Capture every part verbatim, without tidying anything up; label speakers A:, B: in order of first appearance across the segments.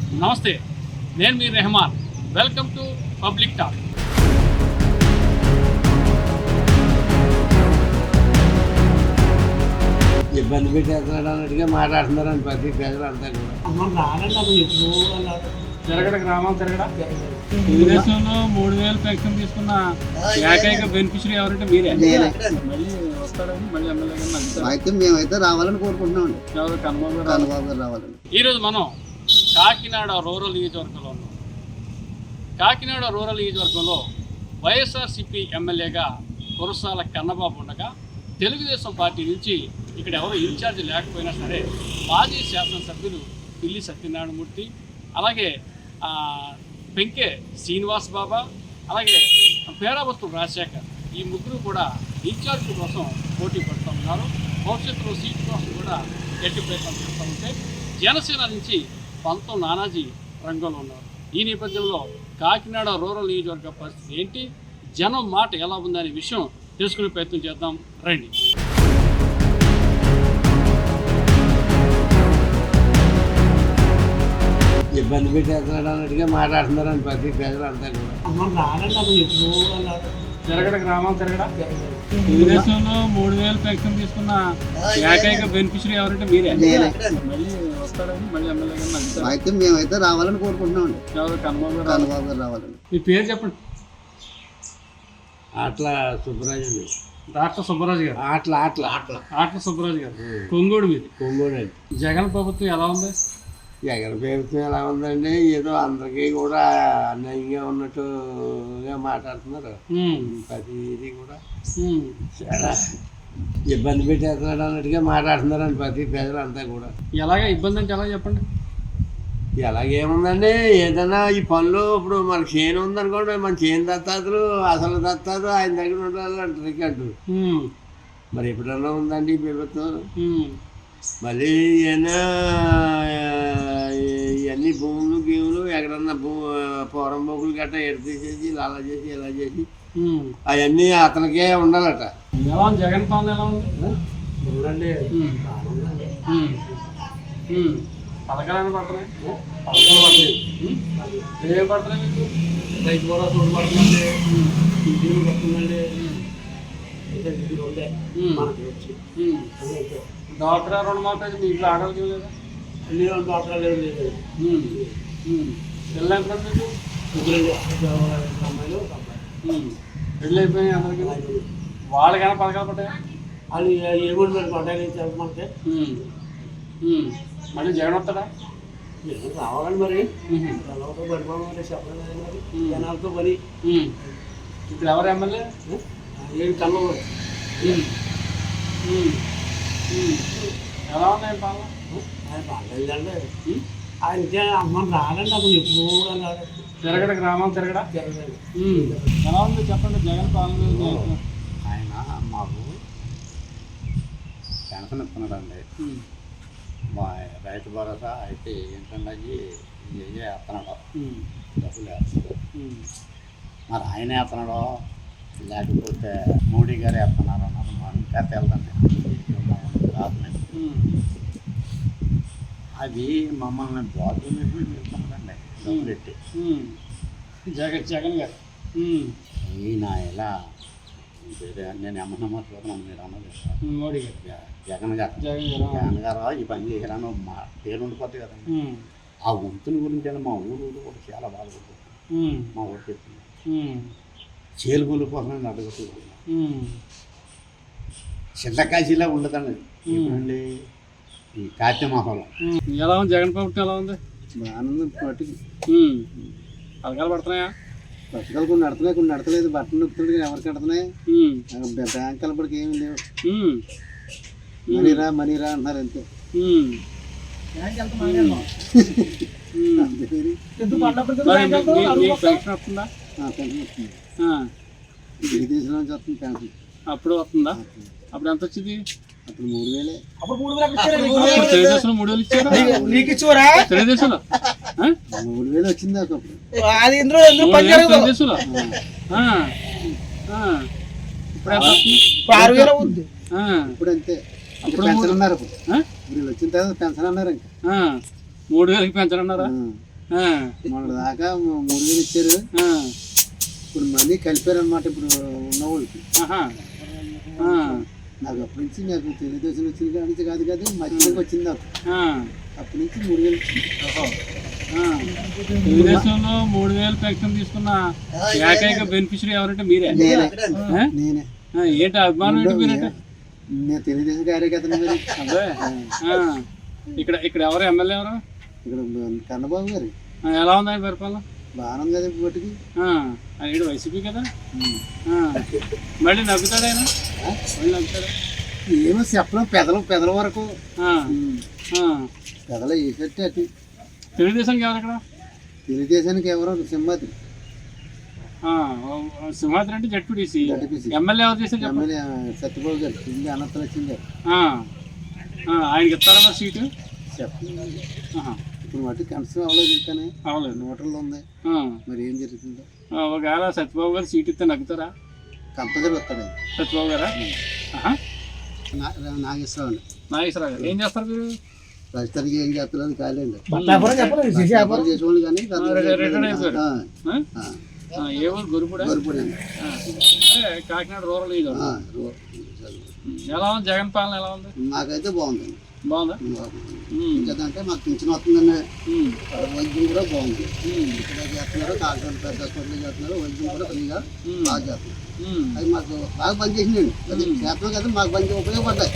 A: నమస్తే, నేను మీ Rehman. Welcome to public talk.
B: ఇబ్బంది పెట్టేస్తున్నాడు అన్నట్టుగా మాట్లాడుతున్నారని ప్రతి ప్రజలు అంతా కూడా.
A: తిరగడ గ్రామం తిరగడ తెలుగుదేశంలో మూడు వేలు పెన్షన్ తీసుకున్న ఏకైక బెనిఫిషరీ ఎవరంటే మీరే. మళ్ళీ వస్తాడని మళ్ళీ ఎమ్మెల్యే
B: అయితే మేమైతే రావాలని కోరుకుంటున్నామండి.
A: ఎవరు కన్నబాబు
B: కన్నబాబు గారు రావాలని.
A: ఈరోజు మనం కాకినాడ రూరల్ నియోజకవర్గంలో ఉన్నాం. కాకినాడ రూరల్ నియోజకవర్గంలో వైఎస్ఆర్సీపీ ఎమ్మెల్యేగా కురసాల కన్నబాబు ఉండగా తెలుగుదేశం పార్టీ నుంచి ఇక్కడ ఎవరు ఇన్ఛార్జ్ లేకపోయినా సరే మాజీ శాసనసభ్యులు పిల్లి సత్యనారాయణమూర్తి, అలాగే పెంకే శ్రీనివాస్ బాబా, అలాగే పేరావత్తు రాజశేఖర్, ఈ ముగ్గురు కూడా ఇన్ఛార్జ్ కోసం పోటీ పడుతూ ఉన్నారు. భవిష్యత్తులో సీట్ కోసం కూడా గట్టి ప్రయత్నం చేస్తూ ఉంటే జనసేన నుంచి పంతం నానాజీ రంగంలో ఉన్నారు. ఈ నేపథ్యంలో కాకినాడ రూరల్ నియోజకవర్గ పరిస్థితి ఏంటి, జనం మాట ఎలా ఉందనే విషయం తెలుసుకునే ప్రయత్నం చేద్దాం రండి.
B: ఇబ్బంది పెట్టేస్తున్నాడు అన్నట్టుగా మాట్లాడుతున్నారని ప్రతి ప్రజలు అంతా కూడా.
A: తిరగడ గ్రామం తిరగడ తెలుగుదేశంలో మూడు వేలు పెన్షన్ తీసుకున్న ఏకైక బెనిఫిషరీ ఎవరంటే మీరే. మళ్ళీ వస్తాడని మళ్ళీ ఎమ్మెల్యే
B: అయితే మేమైతే రావాలని కోరుకుంటున్నామండి.
A: ఎవరు కన్నబాబు
B: కన్నబాబు గారు రావాలని.
A: మీ పేరు చెప్పండి.
B: అట్లా సుబ్బరాజు
A: డాక్టర్ సుబ్బరాజు గారు.
B: అట్లా అట్లా అట్లా
A: ఆట్ల సుబ్బరాజు గారు. కొంగోడు మీది.
B: కొంగోడు అండి.
A: జగన్ ప్రభుత్వం ఎలా ఉంది?
B: జగన్ ప్రభుత్వం ఎలా ఉందండి, ఏదో అందరికీ కూడా అన్యాయంగా ఉన్నట్టుగా మాట్లాడుతున్నారు. ప్రతిదీ కూడా చాలా ఇబ్బంది పెట్టేస్తున్నాడు అన్నట్టుగా మాట్లాడుతున్నారని ప్రతి ప్రజలు అంతా కూడా.
A: ఎలాగ ఇబ్బంది అంటే ఎలా చెప్పండి.
B: ఎలాగేముందండి, ఏదైనా ఈ పనులు ఇప్పుడు మనకి చేను ఉందనుకోండి, మన చేను దత్తాదులు అసలు దత్తాదు ఆయన దగ్గర ఉండాలి అంటారు అంటారు. మరి ఎప్పుడన్నా ఉందండి ఈ ప్రభుత్వం? మళ్ళీ ఏమైనా ఇవన్నీ భూములు గీములు ఎక్కడన్నా భూ పూరం బొగ్గులు గట్రా ఎడ తీసేసి అలా చేసి ఇలా చేసి అవన్నీ అతనికే ఉండాలట.
A: ఎలా ఉంది జగన్ పాలన? ఎలా ఉంది?
B: ఉండండి
A: పథకాలు పడుతున్నాయి. పథకాలు పడుతున్నాయి. ఏం పడుతున్నాయి మీకు?
B: రైతు కూడా చూడు పడుతుందండి, ఇంటిని పడుతుందండి.
A: డాక్టర్ రుణమాఫీ మీ ఇంట్లో ఆడవాళ్ళకి లేదా?
B: అన్ని డాక్టర్ లేదు లేదు.
A: పెళ్ళి ఎంత మీకు?
B: అమ్మాయిలు
A: పెళ్ళి అయిపోయినాయి అందరికీ. వాళ్ళకైనా పథకాలు పడ్డాయి?
B: అది ఏమో పడ్డాయి మనకి.
A: మళ్ళీ జగన్ వస్తాడా?
B: రావాలని మరి పడిపోవాలి చెప్పలేదు మరి జనాలతో పని.
A: ఇప్పుడు ఎవరు ఎమ్మెల్యే?
B: ఏం కన్నబాబు.
A: ఎలా ఉన్నాయి పాలన?
B: ఆయన బాగాలేదండి. ఆయన అమ్మ రాడండి, అప్పుడు ఎప్పుడు
A: తిరగడ గ్రామం తిరగడ
B: తిరగలేదు.
A: ఎలా ఉంది చెప్పండి జగన్ పాలన?
B: ఆయన మాకు పెన్షన్ ఇస్తున్నాడండి. మా రైతు భరోసా అయితే ఏంటంటే ఇవే వేస్తున్నాడు, డబ్బులు వేస్తున్నాడు. మరి ఆయన వేస్తున్నాడో లేకపోతే మోడీ గారు వేస్తున్నారు అన్నారు. మనం ఇంకా తెలదండి, రాదు. అది మమ్మల్ని బాధ్యత వెళ్తున్నాడండి డబ్బులు పెట్టి.
A: జగన్ జగన్ గారు
B: ఈయన ఇలా నేను ఏమన్నా చూస్తున్నాను, మీరు అన్నది
A: మోడీ గారు
B: జగన్ గారు జగన్ గారు ఈ పని చేయాలని మా పేరు ఉండిపోతుంది కదండి. ఆ వంతుని గురించి మా ఊరు కూడా చాలా బాధపడుతుంది. మా ఊరు చెప్తుంది చేలుగుల కోసం అడుగుతున్నాను. చిల్లకాశీలా ఉండదండి ఇప్పుడండి ఈ కార్తీక మాసంలో.
A: ఎలా ఉంది జగన్ ప్రభుత్వం? ఎలా ఉంది?
B: ఆనందం పట్టి
A: పథకాలు పడుతున్నాయా?
B: పథకాలు కొన్ని నడుతున్నాయి, కొన్ని నడతలేదు. బట్టలు నొక్కుతుంది ఎవరికి నడుతున్నాయి? బ్యాంక్ కలపడికి ఏమి లేవు. మనీరా మనీరా అంటున్నారు అంతే.
A: అప్పుడు వస్తుందా? అప్పుడు ఎంత వచ్చింది?
B: అప్పుడు మూడు వేలే.
A: తెలుగుదేశంలో మూడు వేలు ఇచ్చారా? తెలుగుదేశంలో
B: మూడు వేలు వచ్చింది అప్పుడు.
A: తెలుగుదేశంలో
B: ఇప్పుడు అంతే. అప్పుడు పెన్షన్ అన్నారు. ఇప్పుడు వచ్చిన తర్వాత పెన్షన్ అన్నారు. ఇంకా
A: మూడు వేలకి పెంచనన్నారా? ఆ,
C: మొన్న దాకా మూ- మూడు వేలు ఇచ్చారు.
A: ఆ,
C: ఇప్పుడు మళ్ళీ కలిపారు అనమాట ఇప్పుడు ఉన్న వాళ్ళకి.
A: ఆహా, ఆ,
C: నాకు అప్పటి నుంచి నాకు తెలుగుదేశం వచ్చింది కాడి నుంచి కాదు కాదు మధ్యలోకి వచ్చింది నాకు.
A: ఆ,
C: అప్పటి నుంచి మూడు వేలు ఇచ్చింది.
A: ఓహో, ఆ. తెలుగుదేశంలో మూడు వేలు పెన్షన్ తీసుకున్న ఏకైక బెనిఫిషరీ ఎవరంటే మీరే.
C: నేనే
A: ఆ?
C: నేనే
A: ఆ, ఏంటి అభిమానం ఏంటి మీరంటే?
C: నేను తెలుగుదేశం కార్యకర్తను మరి.
A: అదే ఆ, ఇక్కడ ఇక్కడ ఎవరు ఎమ్మెల్యే ఎవరు?
C: ఇక్కడ కన్నబాబు గారు
A: ఆ, ఎలా ఉంది ఆయన పరిపాలన?
C: బాగానే ఉంది కదా ఇప్పటికి.
A: ఆ, ఆయన ఈడు వైసీపీ కదా. ఆ, మళ్ళీ నవ్వుతాడు ఆయన, మళ్ళీ నవ్వుతాడు.
C: ఏమో చెప్పడం పెదల పెదల వరకు
A: ఆ, ఆ.
C: పెదల వేసేట్టు అటు.
A: తెలుగుదేశానికి ఎవరు ఇక్కడ?
C: తెలుగుదేశానికి ఎవరో సింహాద్రి
A: ఆ, ఓ, సింహాద్రి అంటే జడ్పీటీసీ.
C: జడ్పీటీసీ.
A: ఎమ్మెల్యే ఎవరు చేశారు చెప్పండి?
C: ఎమ్మెల్యే సత్యబాబు గారు కింద అనంత లక్ష్మి గారు
A: ఆ, ఆ, ఆయనకి ఇస్తారా మరి సీటు?
C: చెప్పండి.
A: ఆహా,
C: ఇప్పుడు మటు కన్సర్న్ అవ్వలేదు ఇంకానే
A: అవలేదు.
C: నోటల్లో ఉంది.
A: ఆ,
C: మరి ఏం జరుగుతుందో
A: ఆ, ఒకవేళ సత్యబాబు గారు సీట్ ఇస్తే నగ్గుతారా?
C: కంపల్సరీ వస్తాడు ఆయన.
A: సత్యబాబు గారా? ఆహా,
C: నా- నాగేశ్వరరావు అండి.
A: నాగేశ్వరరావు గారు ఏం చేస్తారు మీరు?
C: ప్రస్తుతానికి ఏం చేస్తున్నారు కాలేండి.
B: చెప్పలేదు
C: వ్యాపారం చేసేవాళ్ళు కానీ
A: రిటైర్డ్ అయిపోయారు. ఆ? ఆ, ఏ ఊరు? గురుపుడా?
C: గొరిపడి అండి.
A: ఆ, అంటే కాకినాడ రూరల్ ఇది.
C: ఆ, రో-
A: ఎలా ఉంది జగన్ పాలన? ఎలా ఉంది?
C: మాకైతే బాగుందండి.
A: బాగుందా?
C: బాగుంది.
A: ఉమ్,
C: ఇంకేదంటే మాకు పింఛన్ వస్తుందండి.
A: ఉమ్,
C: వైద్యం కూడా బాగుంది.
A: ఉమ్,
C: ఇక్కడ చేస్తున్నారు కాకినాడ పెద్ద హాస్పిటల్ చేస్తున్నారు. వైద్యం కూడా ఫ్రీగా
A: ఉమ్,
C: బాగా చేస్తున్నారు.
A: ఉమ్,
C: అది మాకు బాగా పనిచేసిందండి. అది చేస్తున్నాం కదా మాకు పని ఉపయోగపడ్డాయి.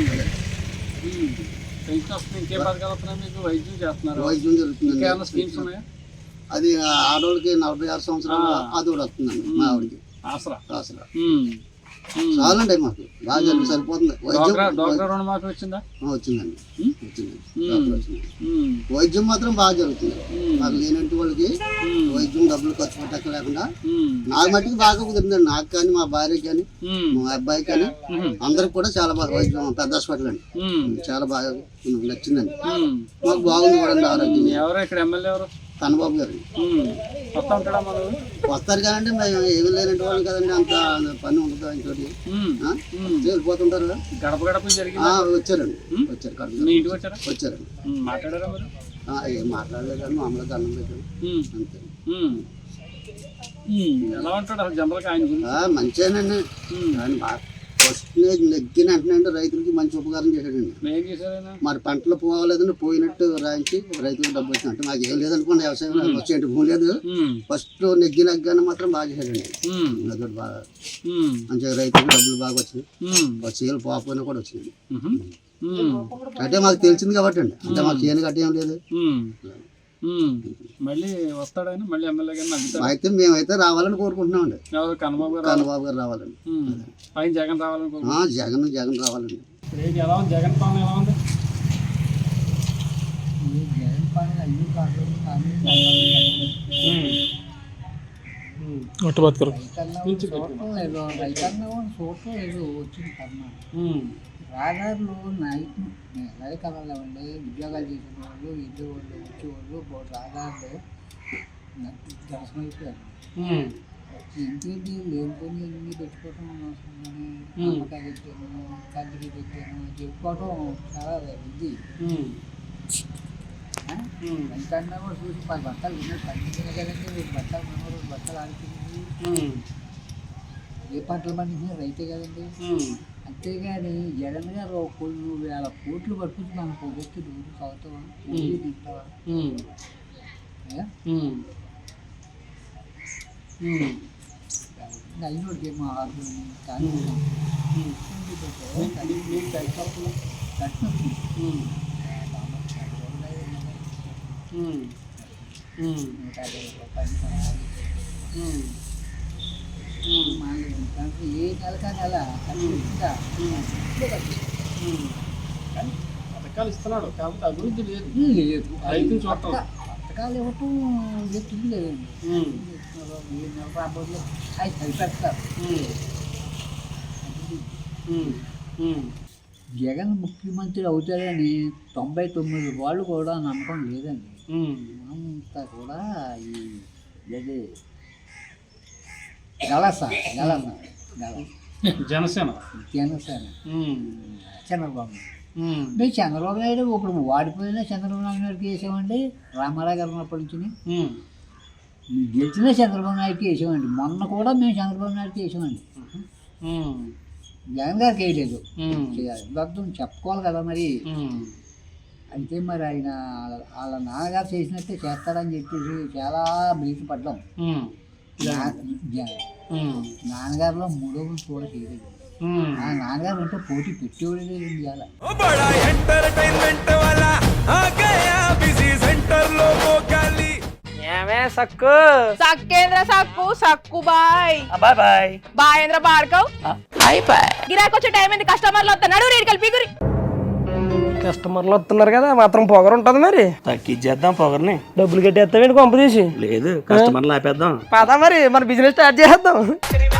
A: ఉమ్. పెన్షన్ వస్తుంది. ఇంకే పథకాలు వస్తున్నాయి మీకు? వైద్యం చేస్తున్నారు.
C: వైద్యం జరుగుతుందండి.
A: ఇంకేమైనా స్కీమ్స్ ఉన్నాయా?
C: అది ఆడవాళ్ళకి నలభై ఆరు సంవత్సరాలు అది కూడా వస్తుందండి మా ఆవిడకి
A: ఆసరా.
C: అసలు
A: ఉమ్, ఉమ్.
C: చాలండి మాకు బాగా జరిగి సరిపోతుంది. వైద్యం
A: డోక్రా డోక్రా రుణమాఫీ వచ్చిందా?
C: ఆ, వచ్చిందండి
A: ఉమ్?
C: వచ్చిందండి
A: ఉమ్.
C: డాక్టర్ వచ్చింది.
A: ఉమ్,
C: వైద్యం మాత్రం బాగా జరుగుతుంది.
A: ఉమ్,
C: మాకు లేనంటి వాళ్ళకి
A: ఉమ్,
C: వైద్యం డబ్బులు ఖర్చు పెట్టక లేకుండా
A: ఉమ్,
C: నాకు మట్టికి బాగా కుదిరిందండి. నాకు కానీ మా భార్యకి కానీ
A: ఉమ్,
C: మా అబ్బాయికి కానీ
A: ఉమ్,
C: అందరికి కూడా చాలా బాగా వైద్యం పెద్ద హాస్పిటల్ అండి.
A: ఉమ్,
C: చాలా బాగా నచ్చిందండి.
A: ఉమ్.
C: మాకు బాగుంది కూడా అండి ఆరోగ్యం.
A: ఎవరు ఇక్కడ ఎమ్మెల్యే ఎవరు?
C: కన్నబాబు గారు
A: ఉమ్, వస్తా ఉంటాడా మన ఊరు?
C: వస్తారు కదండి. మేము ఏమి లేనంటి వాళ్ళు కదండి. అంత పని ఉండదు ఇంకోటి.
A: ఉమ్,
C: ఆ?
A: ఉమ్.
C: వెళ్ళిపోతుంటారు.
A: గడప గడప
C: ఆ,
A: జరిగింది.
C: వచ్చారండి వచ్చారు కడుపు
A: మీ ఇంటికి వచ్చారా?
C: వచ్చారండి.
A: ఉమ్, మాట్లాడారా మరి?
C: ఆ, ఏం మాట్లాడలేదు కానీ మామూలుగా దండం పెట్టారు
A: ఉమ్,
C: అంతే.
A: ఉమ్, ఉమ్. ఎలా ఉంటాడు అసలు జనరల్గా ఆయన గురించి?
C: ఆ, మంచిగానండి.
A: ఉమ్,
C: ఆయన బాగా ఫస్ట్ నెగ్గిన వెంటనే రైతులకి మంచి ఉపకారం చేశాడండి.
A: ఏం చేశారు ఆయన?
C: మరి పంటలు పోవాలేదని పోయినట్టు రాయించి రైతులకు డబ్బు వచ్చింది. అంటే మాకు ఏం లేదనుకోండి, వ్యవసాయం వచ్చేంటి భూమి లేదు.
A: ఉమ్,
C: ఫస్ట్ నెగ్గి నెగ్గానే మాత్రం బాగా చేశాడండి.
A: ఉమ్,
C: అదొకటి బాగా
A: ఉమ్,
C: మంచిగా రైతులకు డబ్బులు బాగా వచ్చినాయి.
A: ఉమ్,
C: చీలు పోకపోయినా కూడా వచ్చింది.
A: ఉహు, ఉమ్,
C: అంటే మాకు తెలిసింది కాబట్టి అండి. అంటే మాకు చేయని గట్టి ఏం లేదు.
A: ఉమ్, ఉమ్. మళ్ళీ వస్తాడని మళ్ళీ ఎమ్మెల్యే గారిని నమ్ముతాడు.
C: అయితే మేమైతే రావాలని కోరుకుంటున్నామండి.
A: ఎవరు? కన్నబాబు గారు?
C: కన్నబాబు గారు రావాలండి.
A: ఉమ్, పైన జగన్ రావాలనుకో.
C: ఆ, జగన్ జగన్ రావాలండి.
A: ఏంటి ఎలా ఉంది జగన్ పాలన? ఎలా ఉంది?
D: రాదారులు నైట్ నైట్ కళలో ఉండి ఉద్యోగాలు చేసిన వాళ్ళు ఇద్దరు వాళ్ళు వచ్చేవాళ్ళు రాదారులు దర్శనం అయిపోయారు. ఇంకేంటి లేనిపోయి ఎన్ని పెట్టుకోవటం అవసరం కానీ అమ్మకాయ పెట్టాను కంటికి పెట్టాను చెప్పుకోవటం చాలా ఇది. వెంకన్నా కూడా చూసి పది బట్టలు విన్నారు పండించిన కదండి. బట్టలు మనవరు బట్టలు ఆడుతుంది. ఏ పంటలు పండించిన రైతే కదండి. అంతేగాని జగన్ గారు కొన్ని వేల కోట్లు పట్టుకుని మన పొగొచ్చి రోజు చదువుతావా తింటావా? అయినోడికి ఏమో ఆకులు కానీ నూట యాభై రూపాయలు ఏ నెల కానీ అలా
A: పథకాలు ఇస్తున్నాడు కాబట్టి అభివృద్ధి లేదు.
D: లేదు
A: రైతులు చూడటం
D: పథకాలు ఇవ్వటం వ్యక్తులు లేదండి. ఏ నెల రాబోయే అవి సరిపెడతారు. జగన్ ముఖ్యమంత్రి అవుతారని తొంభై తొమ్మిది వాళ్ళు కూడా నమ్మకం లేదండి. అంతా కూడా ఈ అదే గలస గలస గల
A: జనసేన
D: జనసేన చంద్రబాబు మేము చంద్రబాబు నాయుడు ఇప్పుడు వాడిపోయినా చంద్రబాబు నాయుడుకి వేసామండి, రామారావు గారు ఉన్నప్పటి నుంచి గెలిచినా చంద్రబాబు నాయుడుకి వేసామండి. మొన్న కూడా మేము చంద్రబాబు నాయుడుకి వేసామండి, జగన్ గారికి వేయలేదు. మొత్తం చెప్పుకోవాలి కదా మరి. అయితే మరి ఆయన వాళ్ళ నాన్నగారు చేసినట్టే చేస్తాడని చెప్పేసి చాలా బ్రీతి పడ్డాం. నాన్నగారిలో మూడో గురించి కూడా చేయలేదు. ఆ నాన్నగారు అంటే పోటీ పెట్టేవాడు లేదు ఇవాళ.
E: సక్కు
F: సక్కేంద్ర సక్కు సక్కు బాయ్
E: బాయ్ బాయ్
F: బాయేంద్ర బార్కవ్
E: బాయ్ బాయ్.
F: గిరాకి వచ్చే టైం ఏంది, కస్టమర్లు వస్తున్నాడు, రేటు కలిపి గురి.
E: కస్టమర్లు వస్తున్నారు కదా, మాత్రం పొగరు ఉంటుంది మరి.
G: తగ్గించేద్దాం పొగర్ని.
E: డబ్బులు కట్టేస్తావేంటి కొంప తీసి?
G: లేదు, కస్టమర్లు ఆపేద్దాం.
E: పదా మరి మన బిజినెస్ స్టార్ట్ చేద్దాం.